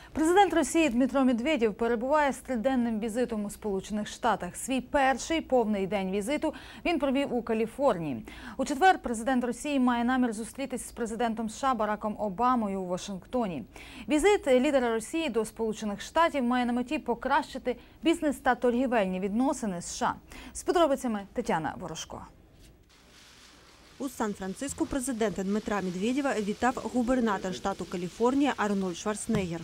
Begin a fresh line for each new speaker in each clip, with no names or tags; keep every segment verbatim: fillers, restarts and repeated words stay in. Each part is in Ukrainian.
Президент Росії Дмитро Медведєв перебуває з триденним візитом у Сполучених Штатах. Свій перший повний день візиту він провів у Каліфорнії. У четвер президент Росії має намір зустрітись з президентом США Бараком Обамою у Вашингтоні. Візит лідера Росії до Сполучених Штатів має на меті покращити бізнес та торгівельні відносини з США. З подробицями Тетяна Ворожко.
У Сан-Франциско президента Дмитра Медведєва вітав губернатор штату Каліфорнія Арнольд Шварценеггер.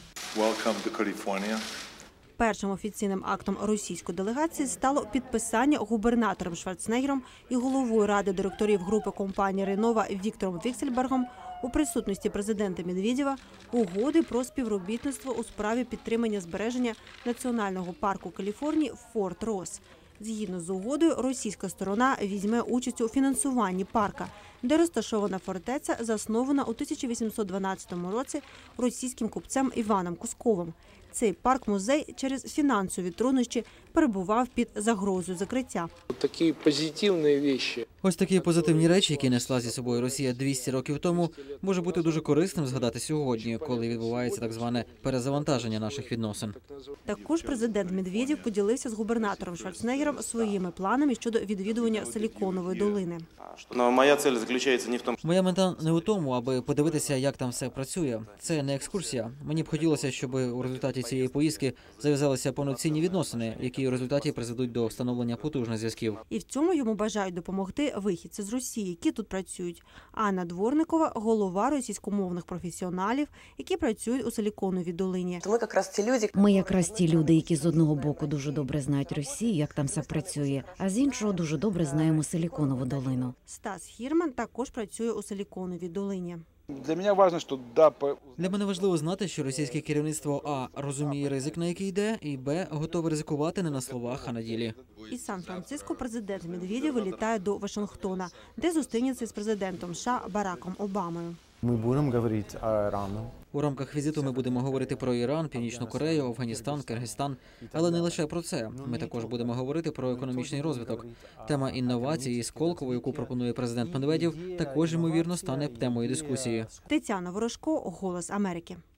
Першим офіційним актом російської делегації стало підписання губернатором Шварценеггером і головою ради директорів групи компанії «Ренова» Віктором Віксельбергом у присутності президента Медведєва угоди про співробітництво у справі підтримання збереження національного парку Каліфорнії Форт Росс. Згідно з угодою, російська сторона візьме участь у фінансуванні парка, де розташована фортеця, заснована у тисяча вісімсот дванадцятому році російським купцем Іваном Кусковим. Цей парк-музей через фінансові труднощі перебував під загрозою закриття.
Такі позитивні речі.
Ось такі позитивні речі, які несла зі собою Росія двісті років тому, може бути дуже корисним згадати сьогодні, коли відбувається так зване перезавантаження наших відносин.
Також президент Медведєв поділився з губернатором Шварценеггером своїми планами щодо відвідування Силіконової долини.
Моя ціль заключається не в тому,
Моя мета не у тому, аби подивитися, як там все працює. Це не екскурсія. Мені б хотілося, щоб у результаті цієї поїздки зав'язалися повноцінні відносини, які у результаті призведуть до встановлення потужних зв'язків.
І в цьому йому бажають допомогти вихідці з Росії, які тут працюють. Анна Дворникова – голова російськомовних професіоналів, які працюють у Силіконовій долині.
Ми якраз ті люди,
Ми якраз ті люди, які з одного боку дуже добре знають Росію, як там все працює, а з іншого дуже добре знаємо Силіконову долину.
Стас Хірман також працює у Силіконовій долині.
Для мене важливо, що да, по...
Для мене важливо знати, що російське керівництво а. розуміє ризик, на який йде, і б. готове ризикувати не на словах, а на ділі.
Із Сан-Франциско президент Медведєв вилітає до Вашингтона, де зустрінеться з президентом США Бараком Обамою.
Ми будемо говорити про Іран.
У рамках візиту ми будемо говорити про Іран, Північну Корею, Афганістан, Киргизстан. Але не лише про це. Ми також будемо говорити про економічний розвиток. Тема інновації з Колково, яку пропонує президент Медведєв, також, ймовірно, стане темою дискусії.
Тетяна Ворожко, «Голос Америки».